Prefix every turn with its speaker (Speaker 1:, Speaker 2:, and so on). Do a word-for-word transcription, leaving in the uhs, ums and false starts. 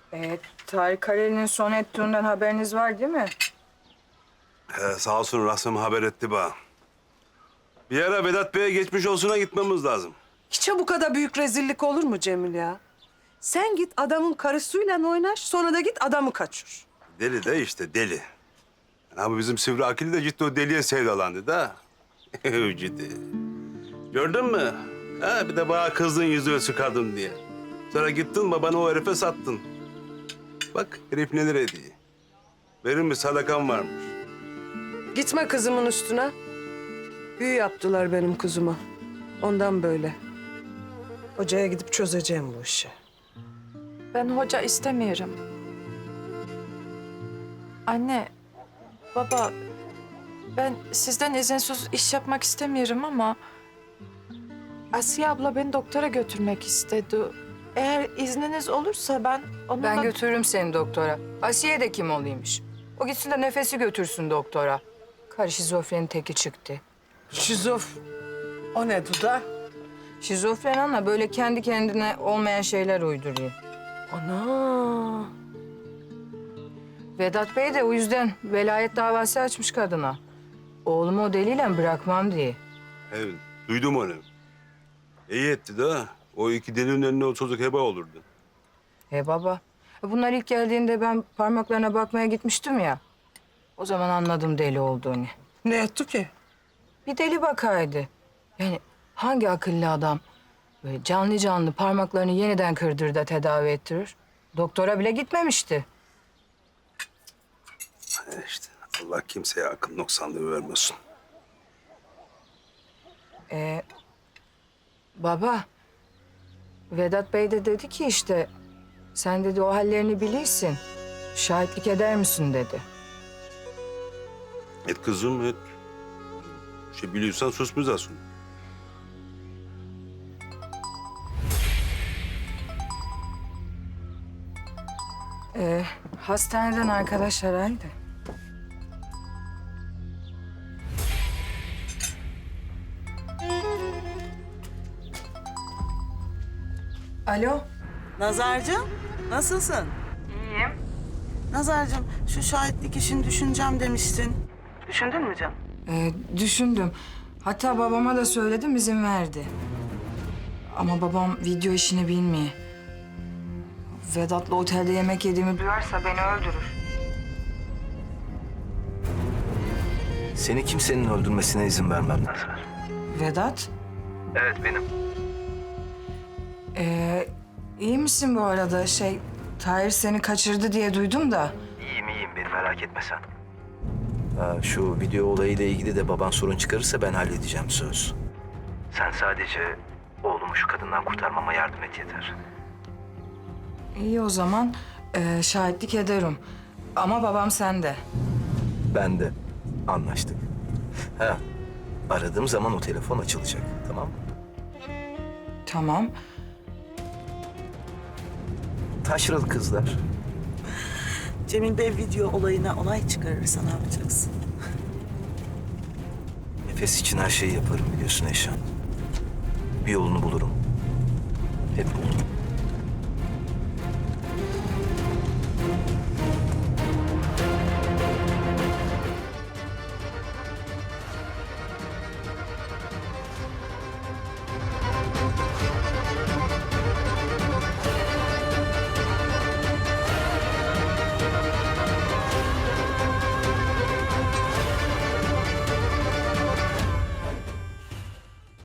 Speaker 1: Ee, Tarık Kareli'nin son ettiğinden haberiniz var değil mi?
Speaker 2: He, sağ olsun Rasim haber etti bana. Bir ara Vedat Bey'e geçmiş olsuna gitmemiz lazım.
Speaker 3: Hiç bu kadar büyük rezillik olur mu Cemil ya? Sen git adamın karısıyla oynaş, sonra da git adamı kaçır.
Speaker 2: Deli de işte deli. Ama bizim Sivri Akil de ciddi o deliye sevdalandı da. Ciddi. Gördün mü? Ha, bir de bana kızdın yüzüğü sıkardın diye. Sonra gittin babanı o herife sattın. Bak herif neler ediyor. Verilmiş sadakan varmış.
Speaker 3: Gitme kızımın üstüne. Büyü yaptılar benim kızıma. Ondan böyle. Hocaya gidip çözeceğim bu işi.
Speaker 4: Ben hoca istemiyorum. Anne, baba, ben sizden izinsiz iş yapmak istemiyorum ama... Asiye abla beni doktora götürmek istedi. Eğer izniniz olursa ben onunla...
Speaker 1: Ben götürürüm seni doktora. Asiye de kim olaymış? O gitsin de nefesi götürsün doktora. Karı şizofrenin teki çıktı.
Speaker 3: Şizof. O ne Duda?
Speaker 1: Şizofren ana böyle kendi kendine olmayan şeyler uyduruyor.
Speaker 3: Ana.
Speaker 1: Vedat Bey de o yüzden velayet davası açmış kadına. Oğlumu o deliyle bırakmam diye.
Speaker 2: Evet, duydum onu. İyi etti de o iki delinin önüne o çocuk heba olurdu.
Speaker 1: E baba, bunlar ilk geldiğinde ben parmaklarına bakmaya gitmiştim ya. O zaman anladım deli olduğunu.
Speaker 3: Ne etti ki?
Speaker 1: Bir deli bakaydı. Yani hangi akıllı adam böyle canlı canlı parmaklarını yeniden kırdırır da tedavi ettirir? Doktora bile gitmemişti.
Speaker 2: E İşte Allah kimseye akıl noksanlığı vermesin.
Speaker 1: Ee, baba, Vedat Bey de dedi ki işte... Sen dedi o hallerini bilirsin. Şahitlik eder misin dedi.
Speaker 2: Et kızım et. Bir şey biliyorsan susmayacaksın.
Speaker 1: Ee, hastaneden arkadaş araydı. Alo.
Speaker 5: Nazarcığım, nasılsın?
Speaker 1: İyiyim.
Speaker 5: Nazarcığım, şu şahitlik işini düşüneceğim demiştin. Düşündün mü canım?
Speaker 1: Ee, düşündüm. Hatta babama da söyledim, izin verdi. Ama babam video işini bilmiyor. Vedat'la otelde yemek yediğimi duyarsa beni öldürür.
Speaker 6: Seni kimsenin öldürmesine izin vermem. Nazar.
Speaker 1: Vedat,
Speaker 6: Evet benim.
Speaker 1: ee, iyi misin bu arada? Şey, Tahir seni kaçırdı diye duydum da.
Speaker 6: İyiyim iyiyim beni merak etme sen. Ha, şu video olayıyla ilgili de baban sorun çıkarırsa ben halledeceğim söz. Sen sadece oğlumu şu kadından kurtarmama yardım et yeter.
Speaker 1: İyi o zaman, ee, şahitlik ederim. Ama babam sende.
Speaker 6: Ben de. Anlaştık. Ha, aradığım zaman o telefon açılacak tamam mı?
Speaker 1: Tamam.
Speaker 6: Taşralı kızlar.
Speaker 5: Cemil Bey video olayına olay çıkarırsa ne yapacaksın?
Speaker 6: Nefes için her şeyi yaparım biliyorsun Eşan. Bir yolunu bulurum. Hep bulurum.